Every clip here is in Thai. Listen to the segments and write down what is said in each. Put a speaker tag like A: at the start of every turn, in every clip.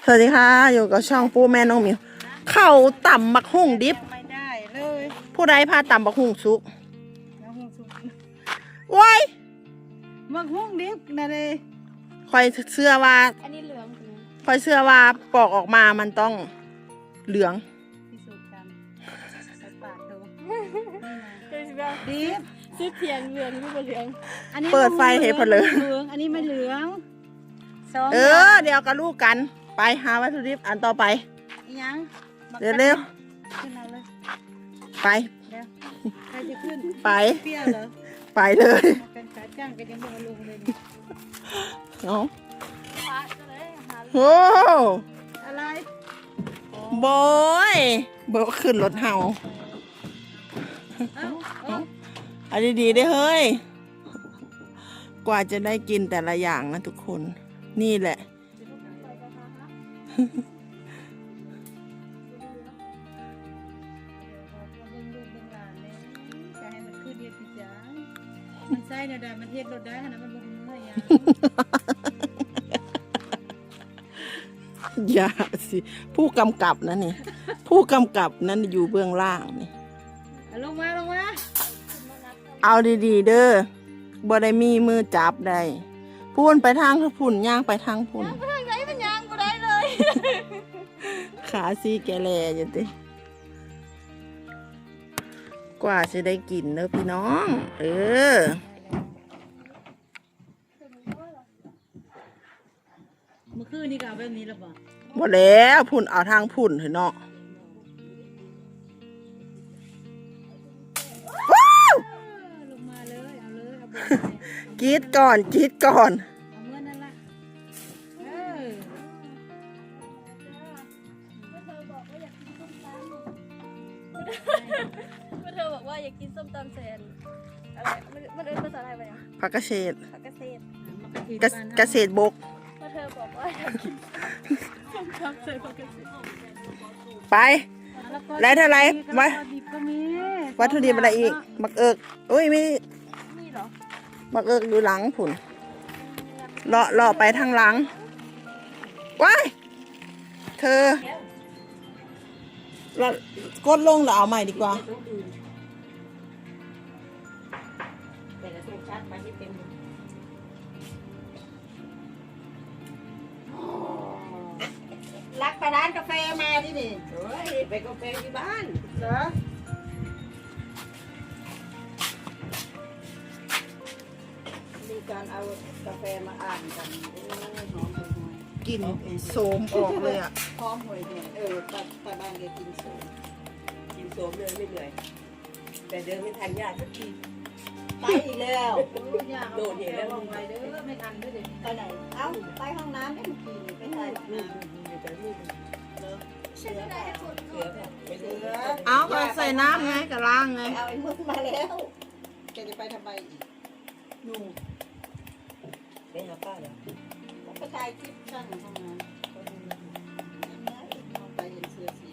A: สวัสดีค่ะอยู่กับช่องปูแม่น้องมิวเข้าต่ำบักหุ่งดิบ
B: ไม่ได้เลย
A: ผู้ใดพาต่ำบักหุ่งสุก
B: มักหุ้งสุก
A: ว้าย
B: มักหุ้งดิบนะเลย
A: คอยเชื่อว่า
C: อันนี้เหลืองใช่ไหม
A: คอยเชื่อว่าปอกออกมามันต้องเหลือง
B: พิสูจน์กันใส่ปากดู
C: คือว่า
B: ดิบ
C: ซื้อเทียงเหลืองไม่เป็นเหลือง
B: อันนี้
A: เปิดไฟเห็นพอเลย
B: เหลืองอันนี้ไม่เหลืองสอง
A: เดี๋ยวกับลูกกันไปหาวัตถุดิบอันต่อไป
B: อีหยังบัก
A: เร็ว
B: ขึ้นเอาเลย
A: ๆไป
B: เดี๋ยวใครจะขึ้น
A: ไป
B: เปรี้ยวเหรอ
A: ไปเลย
B: มาเป็นขาจ้างก็ยังไม่เอาลงเลยนี่
A: เนาะ
C: ฟ้าจะเลยหา
A: โอ้
B: อะไร
A: บอยเบิกขึ้นรถเฮา
B: เอ้าเอ้า
A: เอาดีๆได้เฮ้ยกว่าจะได้กินแต่ละอย่างนะทุกคนนี่แหละ
B: เบิ่งลูกเบิ่งหลานเลยจะให้มันขึ้นเฮ็ดพี่จ๋ามันใส่เดี๋ยวได้มันเฮ็ดรถได้ขนาดมันบ่มีเมื่อยยัง
A: อย่าสิผู้กำกับนะนี่ ผู้กำกับนั้นอยู่เบื้องล่างนี่
B: เอาลงมาลงมา
A: เอาดีๆเด้อบ่ได้มีมือจับได้พูนไปทางพุ่นย่างไปทางพุ่น
C: ทางไหนมันยังบ่ได้เลย
A: ขาซีแกแลอยู่ติกว่าจะได้กินเด้อพี่น้อง
B: เมื่อคืนนี่ก็เอาแบบนี้แล้วบ่
A: บ่แล้วพุ่นเอาทางพุ่นเถอะเนาะว้าว
B: ลงมาเลยเอาเลยเอาบน
A: กรีดก่อนกรีดก่อน
B: เอาเมื่อนั่นละเออ
C: เธอบอกว่าอยากกินส้มตำแซนอะไรมันเอิ้นภาษาไทยว่าหยัง
A: ผักกระเฉด
C: ผักเกษตร
B: มากระถิ่น
A: กระ
B: บ้าน
A: เกษตรบก
C: เธอบอกว่าอยากกินส้มตำแซนผักเกษตร
A: ไป
B: เอา
A: แล้วเท่าไหร่
B: มะ
A: วะ
B: ดิบก็มี
A: วัตถุดิบอะไรอีกมักเอิกอุ้ยมี
C: นี่เหรอ
A: มักเอิกอยู่หลังผุนเลาะไปทางหลังว้ายเธอเรากดลงหรือเอาใหม่ดีกว่า
B: รักไปร้านกาแฟมาที่นี่
D: เฮ้ยไปกาแฟที่บ้าน
B: เหรอ
D: มีการเอากาแฟมาอ่านกันโอ้ยหอมหวย
A: กลิ่นโสมออกเลยอ่ะ
D: หอมหวยเนี่ยไปบ้านแกกินโสมกินโสมเลยไม่เหนื่อยแต่เดินไม่ทันญาติสักทีไปอีกแล้ว
B: โดดเห็นแล้วลงไปเด้อไม่ทันด้วยเด็ก
D: ไปไหนเอ้าไปห้องน้ำได้เมื่อกี้นี่ไปถ่ายห้องน้ำเสือเปล่าเสือเปล่าไปเสือ
A: เอาก็ใส่น้ำไงกับล้างไง
D: เอาไอ้มึกมาแล้วแกจะไปทำไมอีกนู่นไปหาป้าเหรอไปถ่ายคลิปช่างห้องน้ำไปเห็นเสือสี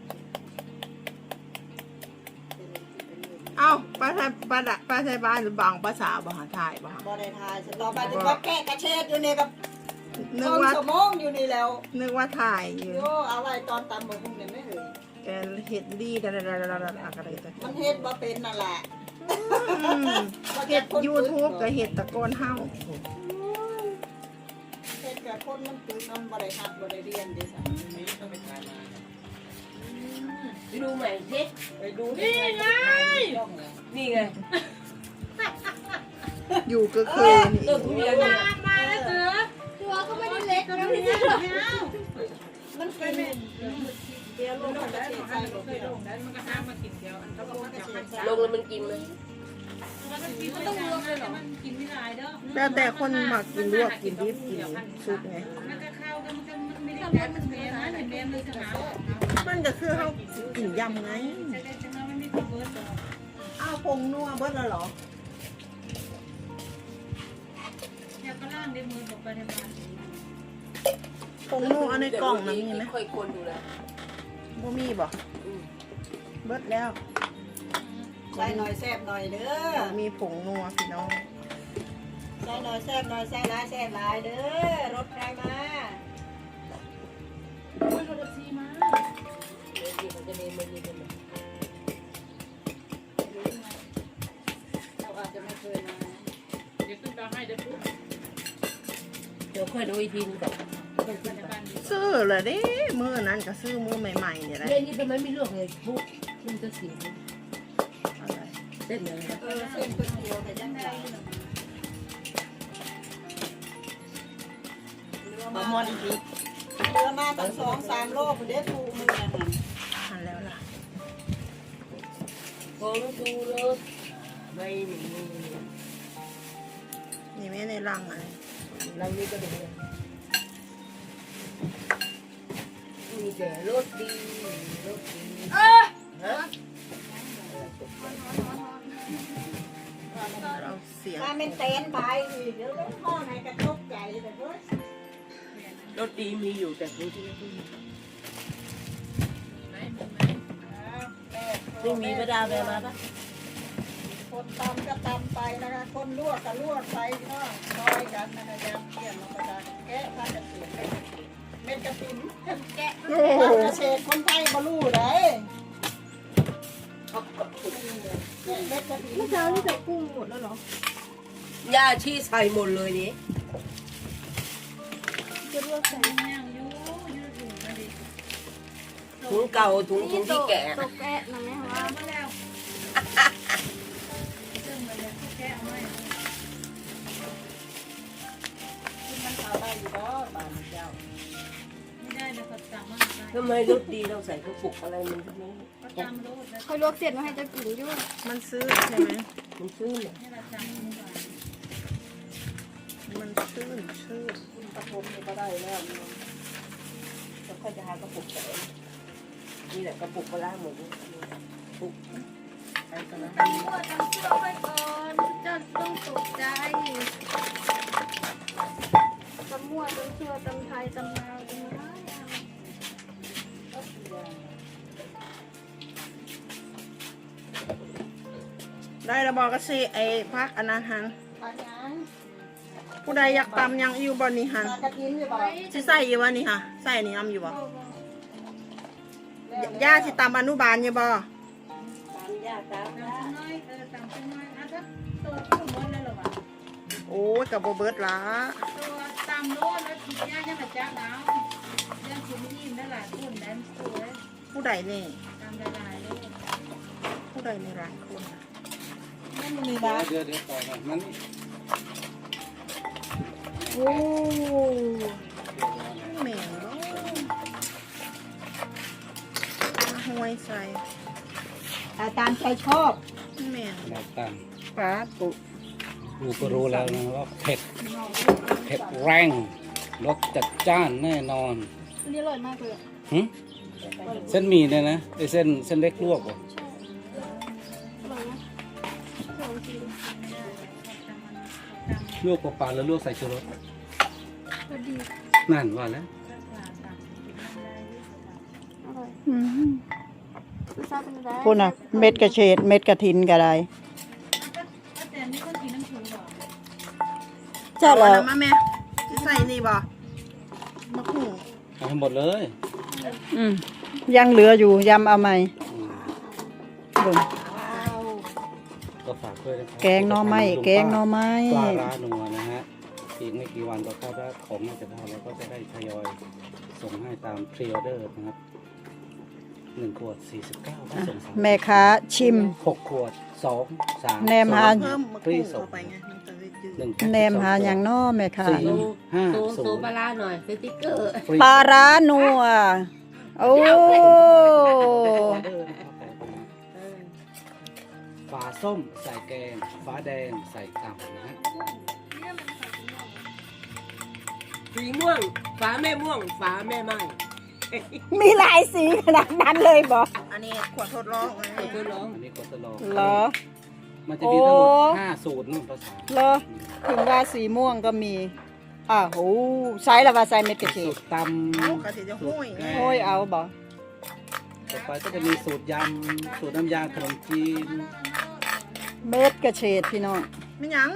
A: เอาป้าไทยป้าไทยบ้านหรือบางภาษาบาหาไทยบ้า
D: บอได้ทายสตอไปถึงว่าแก้กระเชดอยู่นี่กับ
A: นึ
D: ต้
A: ก
D: น
A: ว่า
D: สมองอยู่นี่แล้ว
A: นึกว่าถ่ายอยู่
D: โยเอาไว้ตอนตำบะหุ่งเนี่ยไม่เอ่ย
A: แกเห็ดดีอะไรอะไร
D: มันเฮ็ดบ่เป็นนั่นแหละ
A: เห็ดยูทูบกับเห็ดตะโกนเฮ้า
D: เฮ็ดกับคนมันตื่นนอนบ่ได้หัดบ่ได้เรียนเด้สันนี้ต้องไปทายมาไปดูใหม่สิไปดูนี่ไงนี่ไง
A: อยู่ก็คือนี่
B: มาแล้วเสือ
C: ตัวก็ไม่ได้เล็ก
B: ก็
C: นะ
B: ไม่
C: พี่
B: ได้ไม่เอา
D: มันกินเดี๋ยวลงมาได้ใส่ลงไปลง
B: มันก็ห้ามมากินเดียวอันก็บอกว่าจะให้
D: ลงแล้วมันกินไหม
B: มันต้องรวมเลยเหรอมันกินไม่ได้เด้อ
A: แล้วแต่คนมากินลวกกินดิบกินซุปไง
B: มันก็เข้ากันมันไม่ได้แพ้มันแพ้นะเห็นแพ้เลยสนาม
A: มันก็คือเขากินยำไง
B: จะได้จังไม่มีตัวเบิร์ด
A: อ้าวพงนัวเบิดแล้วเหรอ
B: อยากก็ล่างได้มือบอกไปในบ้าน
A: พงนัวในกล่องนะมีไหม
D: ค่อยคนดูแล
A: บ่มีบ่เบิดแล้ว
D: ใส่หน่อยแซ่บหน่อยเด้อ
A: มีผงนัวพี่น้อง
D: ใส่หน่อยแซ่บหน่อยใส่หลายแซ่บหลายเด้อรถใครมานี่ไม่ดีเลยเราอาจจะไม่เคยมาเดี๋ยวขึ้นตาให้เดี๋ยวขึ้นเดี๋ยวค่อยดูอีกทีนึงก่อน
A: ซื้อเลยเด้มือนั้นก็ซื้อมือใหม่ๆเนี่ยแหละ
D: เรื่องนี้ทำไมไม่เลือกเลยปุ๊บมันจะเสีย
A: อะไร
D: เส้นเลยเส้นก๋วยเตี๋ยวแต่ยังไงมามอนอีกทีเรือมาตั้ง2-3 โลเดี๋ยวถูกมือนะ
A: หันแล้วล่ะ
D: ผมดูเลยไม่มี
A: นี่ไม่ในรังอะไร
D: เรานี่ก็ดูมีแต่รถดีรถดีฮะ
A: เราเสียง
E: ถ้าเป็นเต้นไปเดี๋ยวต้องพ่อในกระทบใจแต่ก็
D: รถดีมีอยู่แต่ผู้ที่ไม่มีประดาแวมาปะ
E: คนตำก็ตำไปนะคะคนลวกก็ลวกไปก็ซอยกันนะคะยำเกี่ยนมาประดาแกะผ้ากระเทียมเม็ดกระถิ่นแกะ
A: โอ้โห
E: เกษตรคนไทยบรู้ได้เม็ดกระถิ่น
C: เมื่อเช้าที่ใส่กุ้งหมดแล้วเหรอย่
D: าชี้ใส่หมดเลยนี่
C: จะลวกใส่
D: ถุงเก่าถุงที่แก่
C: ตกแกะนะแม่ว่า
E: มันเอาได้อยู่ก็บานเจ้า
B: ไม่ได้เลยเขาสั่งมาได้
D: ทำไมรถดีเราใส่กระปุกอะไรมันทำไม
B: เขาจำรถแล้ว
C: ค่อยลวกเสร็จมาให้เจะกินอยู่
A: มันซื้อใช่ไหม
D: มันซื้อเนี่ย
B: ให้เราจำมือก่อน
A: มันซื้อชื่อ
E: คุณปฐมนี่ก็ได้แล้ว
D: แล้วค่อยจะหากระปุกใส่นี่แหละกระปุกปลาหมดปุกใส่กันนะ
C: ตำมั่วตำเชื่อไปก่อนจะต้องตกใจตำมั่วตำเชื่อตำไทยตำลาวตำอะไร
A: ได้ระบอกกสิไอ้พักอันนั้นหัน
E: ปลาหยัง
A: ผู้ใดอยากตำยังอยู่บ่นี่หัน
E: ปลากระถิ่นอยู่บ่
A: สิใส่อยู่บ่นี่ค่ะใส่นี่ยำอยู่บ่ย่าสิตำอนุบาลอยู่บ่
D: ตามยากตาม
B: จำ
D: ยาก
B: น้อยจำน้อยอ่ะถ้าตัวกุ้งหมดเลยหรอวะ
A: โอ้ยกับโบเบิร์ตละ
B: ตัวตามโลดแล้วย่ายังมาจ้าเอาย่าคุณยิ้มได้หลายคนได้สวย
A: ผู้ใดนี่
B: ตามหลายๆเลย
A: ผู้ใดในร้านคนน่ะ
E: ไม่มีบ้าน
F: เดี๋ยวต่อมามัน
A: โอ้แม่งบ่มาห้วยใส่
E: ตามใจชอบ
A: แม่ง
F: เราตาม
A: ปลาตุ
F: ดูก็รู้แล้วนะว่าเผ็ดแรงรสจัดจ้านแน่นอน
C: อันนี้อร่อยมากเลยอะ
F: หึเส้นหมี่เนี่ยนะไอเส้นเล็กลวกเหรอ
C: อร่อยนะลองกิน
F: ลวกเปล่าๆแล้วลวกใส่ชูรส
C: พอดี
F: นั่นว่าแล้ว
C: อร่อยรสชาติเป็นไง
E: คุณอ่ะเม็ดกระเฉดเม็ดกระถินก็ได้
B: แต่นี่คนกินน้ำผึ้งหรอ
E: ใช่แล้ว
A: มาแม่สิใส่นี่บ่มะขุ่ง
F: เอาให้หมดเลย
E: ยังเหลืออยู่ยำเอาไหม
F: อืม
E: เบิ่ง
F: ก็ฝากด้วยนะครับ
E: แกงหน่อไม้แกงหน่อไม้
F: ปลาร้านัวนะฮะอีกไม่กี่วันก็เข้าได้ของน่าจะพอแล้วก็จะได้ทยอยส่งให้ตามพรีออเดอร์นะครับ1 ขวด 49ก็ส่ง3
E: แม่ค้าชิม
F: 6 ขวด 2 3
E: แนมหา
A: เพิ่มมะขุ่งเข้าไปไงมันจะได้จืด
F: 1 แพ็ค
E: แนมหาอย่างน้อแม่ค้า
D: โซปลาหน่อยสติ๊กเกอร์
F: ฟรี
E: ปลาร้านัวโอ้
F: ออเดอร์นะครับฝาส้มใส่แกงฝาแดงใส่ตับนะฮะ
D: สีม่วงฝาแม่ม่วงฝาแม่ไม้
E: มีหลายสีขนาดนั้นเลยบ่
A: อันนี้ขวดทดลองไง
D: เพื่อนร้อง
F: อันนี้กดตลอด
E: เหรอ
F: มันจะมีทั้งหมด
E: โอ้
F: 5 สูตรนู่นภาษา
E: เหรอถึงว่าสีม่วงก็มีโหใส่ละว่าใส่เม็ดกระเฉ
F: สู
E: ด
F: ตรตำ
A: เอากระเทียมจะห้วยไง
E: โอ้ยเอาบ่
F: ต่อไปก็จะมีสูตรยำสูตรน้ำยาขนมจีน
E: เม็ดกระเฉดพี่น้อง
A: ไม่หยัง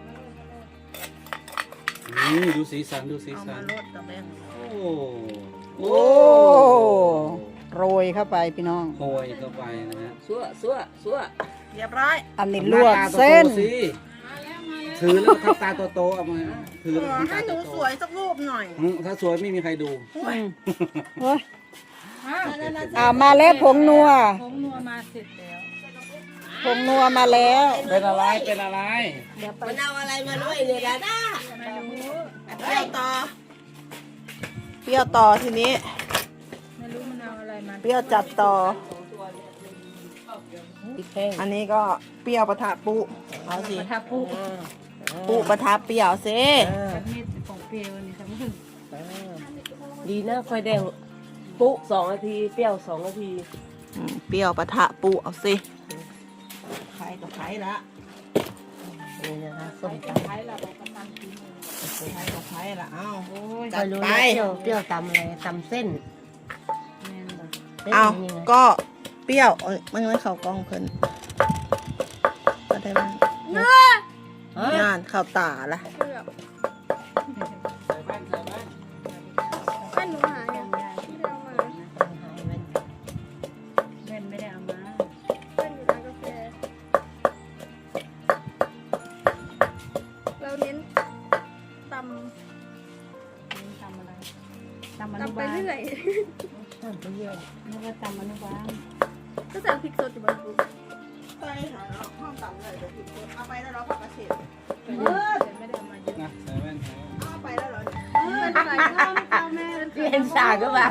F: นี่ดูสีสันดูสี
A: เอา
F: สั
A: มาน ลดกับแบง
F: โอ้
E: โอ้โรยเข้าไปพี่น้อง
F: โหยเข้าไปนะฮะ
D: ซัว
A: เรียบร้อย
E: อันนี้ลวกเส้น
F: หาตาโตๆสิถือแล้วทำตาโตๆเอามาถือแล้ว
A: ให้
F: ทำตา
A: หนู
F: โต
A: สวยสักรูปหน่อย
F: ๆถ้าสวยไม่มีใครดู
E: โอ้ยมาแล้วผงนัว
B: ผงนัวมาเสร็จแล้ว
E: ผงนัวมาแล้ว
F: เป็นอะไรเป็นอะไร
D: มันเอาอะไรมาด้วยเนี่ยดาด้า
B: ไม่รู้
A: เปรี้ยวต่อ เปรี้ยวต่อทีนี้
B: ไม่รู้มันเอาอะไรมา
A: เปรี้ยวจัดต่อ
D: พริกแห้ง
A: อันนี้ก็เปรี้ยวปะทะปุเอาสิ
B: ถ้าปุ๊บ
A: ปุปะทะเปรี้ยวสิ
B: สักนิดของเปรี้ยวนี่สักนิด
D: ดีนะไฟแดงปุ๊2 นาทีเปรี้ยว2 นาที
A: เปรี้ยวปะทะปุเอาสิไข่กับไข่ละ
D: นี่นะคะส้มต
B: ใช้เราบอกกำลังกิน
A: ไข่กับไข่ละเอ้า
B: โอ้ย
D: ำ
A: จัดไป
D: เปรี้ยวตำอะไรตำเส้น
B: แม่นบ่
D: ส้น
A: เอา
D: นี่ไง
A: ก็เปรี้ยวเอ้ยมันไม่เข้ากล้องเพิ่นก็ได้บ้างงานเข้าตาละ
C: เกือบบ้านหนูหายอ่ะไม่ได้เอามา
B: แม่นไม่ได้เอามา
C: บ้านอยู่ร้านกาแฟเราเน้นต
B: ทำอะไรทำอ
C: ำ
B: นุ
C: ตำไป
B: บาล
C: เรื่อย
D: ตำไปเรื่อย
B: นึกว่าทำอนุบาล
C: ก็ใส่พริกสดอยู่บ้านปุ๊บ
A: ไปหาห้องต่ำเลยเดี๋ยวผิดคนเอาไปแล้วเราผักกระเฉด
B: แต่ไม่ได้เอามาเยอะ
F: นะใส่แว่นใส่แว่น
A: เอาไปแล้วเหรอ
C: เป็นใส่ข้าวไม่ข้าวแม่
D: เรียนสาก็แบบ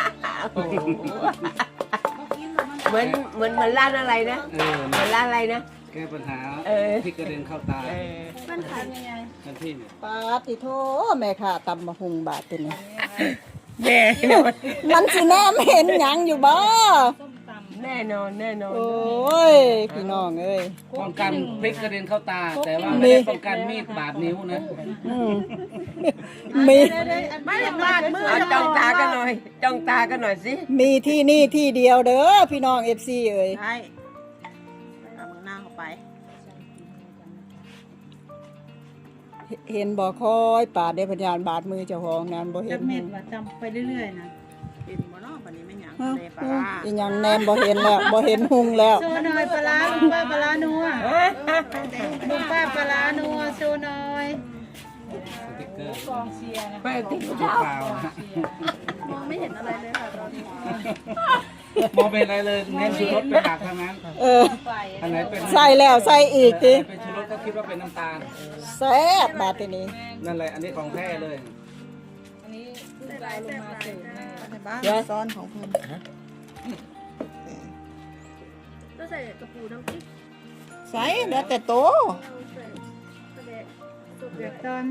D: เหมือนร้านอะไรนะ
F: เออ
D: เหมือนร้านอะไรนะ
F: แก้ปัญหา
D: เออ
F: ที่กระเด็นเข้าตา
C: มันขายยังไง
F: ทันทีเนี่ย
E: ปาติโทแม่ค่ะตำมะฮุงบาทตัวนี้
D: แน่นอน
E: มันสิแนมเห็นหยังอยู่บ่
B: ส้มตำ
D: แน่นอนแน่นอน
E: โอ้ยพี่น้องเอ้ย
F: ป้องกันพริกกระเด็นเข้าตา แต่ว่า
E: มี
F: ไม่ได้ป้องกันมีดบาดนิ้วนะ
E: อืมมี
A: ไม่ได้บาดมือ
D: เอาจ้องตากันหน่อยจ้องตากันหน่อยสิ
E: มีที่นี่ที่เดียวเด้อพี่น้อง FC เอ้ย
A: ใช่เอามือหน้าเข้าไป
E: เห็นบ่คอยปาดได้พยานบาดมือเจ้าของนั้นบ่เห็
B: จั
E: น
B: กเม็ดว่าจำไปเรื่อยๆนะ
A: เป็นบ่เนาะวันนี้ไม่หยัง
E: ฮะ
A: เลยปลาร้า
E: อีหยังแนมบ่เห็นแล้วบ่เห็นหุงแล้ว
B: โชว์หน่อยปลาร้าลุงป้าปลาร้านัวลุงป้าปลาร้านัวโชว์หน่อย
F: สติ๊กเกอร์
B: กองเชียร์นะ
D: ไปติด
F: ชุด
D: เท้า
F: ขาวนะฮะ
C: มองไม่เห็นอะไรเลยค่ะตอนนี้
F: มองเป็นอะไรเลยเน้นชูรสเป็นหลักทั้งนั้น
E: เออ
F: อันไหนเป็น
E: ใส่แล้วใส่อีกติ
F: เป็นชูรสก็คิดว่าเป็นน้ำตาล
E: แซ่บบาดทีนี้
F: นั่นแหละอันนี้ของแท้เลย
B: อันนี้ลูกเราลงมาเสิร์ฟแม่
A: ในบ้านซ้อนของเพิ่น
C: ก็ใส่กระปูน้ำพริก
A: ใส่แล้วแต่โต
C: เอาใส่กระเดะสุก
B: เดื
C: เดื
B: อ
C: อ
B: ด
C: ด
B: ตอน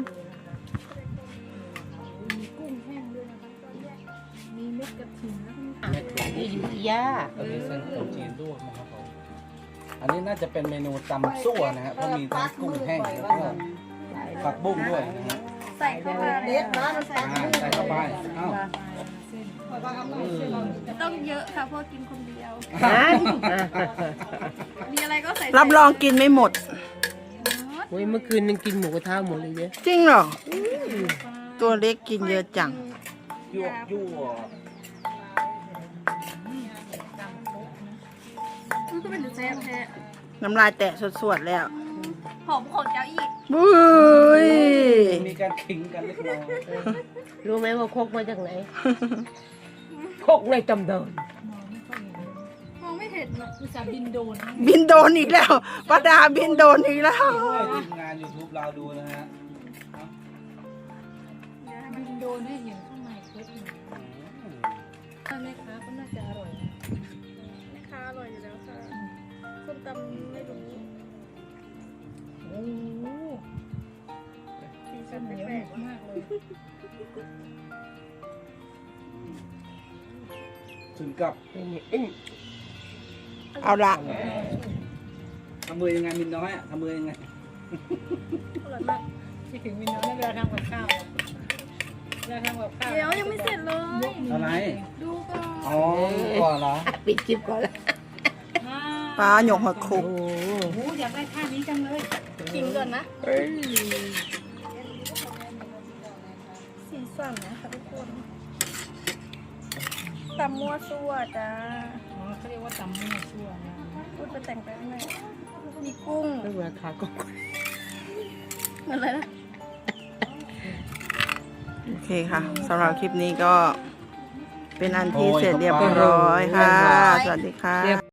C: มีกุ้งแห้งด้วยนะคะตอนแรกมีเม็ดกระถิ่นแล้วก็มี
D: นี่อยู่ที่ย่า
F: อันนี้เส้นขนมจีนลวกนะครับผมอันนี้น่าจะเป็นเมนูตำซั่วนะฮะเพราะมีทั้งกุ้งแห้งแล้วก็ผักบุ้งด้วยนะฮะ
C: ใส่เข้ามา
E: เด็ดบ้านใส่
F: ใส่เข้าไปเอ้า
C: ต้องเยอะค่ะเพราะกินคนเดียว มีอะไรก็ใส่
A: รับรองกินไม่หมด
D: โอ้ยเมื่อคืนยังกินหมูกระทะหมดเลยเนี่ย
A: จริงเหรอตัวเล็กกินเยอะจัง
F: ยั่วยั่ว
C: มันก็เป็นแซ่บแท้
A: น้ำลายแตะสวดๆแล้ว
C: หอมของเจ้าอีก
A: บุ้ย
F: มีการขิงกันเล็กน้อย
D: รู้ไหมว่าคกมาจากไหนคกในตำเดิน
C: มองไม่เห็นเนาะ
B: อุตส่าห์บินโดน
A: บินโดนอีกแล้วป้าดาบินโดนอีกแล้ว
F: ให้ทีมงาน YouTube เราดูนะฮะ
B: บินโดนให้เห็นข้างในครบเลยถ้าแม่ค้าก็น่าจะอร่อยนะ
C: แม่ค้าอร่อยอยู่แล้วค่ะส้มตำไม่รู้
B: โอ้โห
C: สีสัน
B: เหนียว
C: แปลก
B: มากเลย
F: ถึงกับ
A: เอาละ
F: ทำมือยังไงมินน้อยอะทำมือยังไง
C: ๆอร่อยมาก
B: คิดถึงวินน้อยเวลาทำกับข้าวเวลาทำกับข้าว
C: เดี๋ยวยังไม่เสร็จเลย
F: อะไร
C: ดูก่อน
F: อ๋อก่อนเหรอ
D: ปิดคลิปก่อนละ
A: ปลาหยกหัวคุก
D: โอ้
B: โอ้อยากได้ท่านี้จังเลย
C: กินก่อนนะ
D: เอ้ย
C: สีสันนะคะทุกคนตำมั่วซั่วจ้า
B: อ๋อเขาเรียกว่าตำมั่วซั่วนะ
C: พูดไปแต่งไปข้างในมีกุ้ง
E: ไม่เบื่อขากบ
C: เหมือนอะไรนะ
A: โอเคค่ะสำหรับคลิปนี้ก็เป็นอันที่เสร็จเรียบร้อยค่ะ สวัสดีค่ะ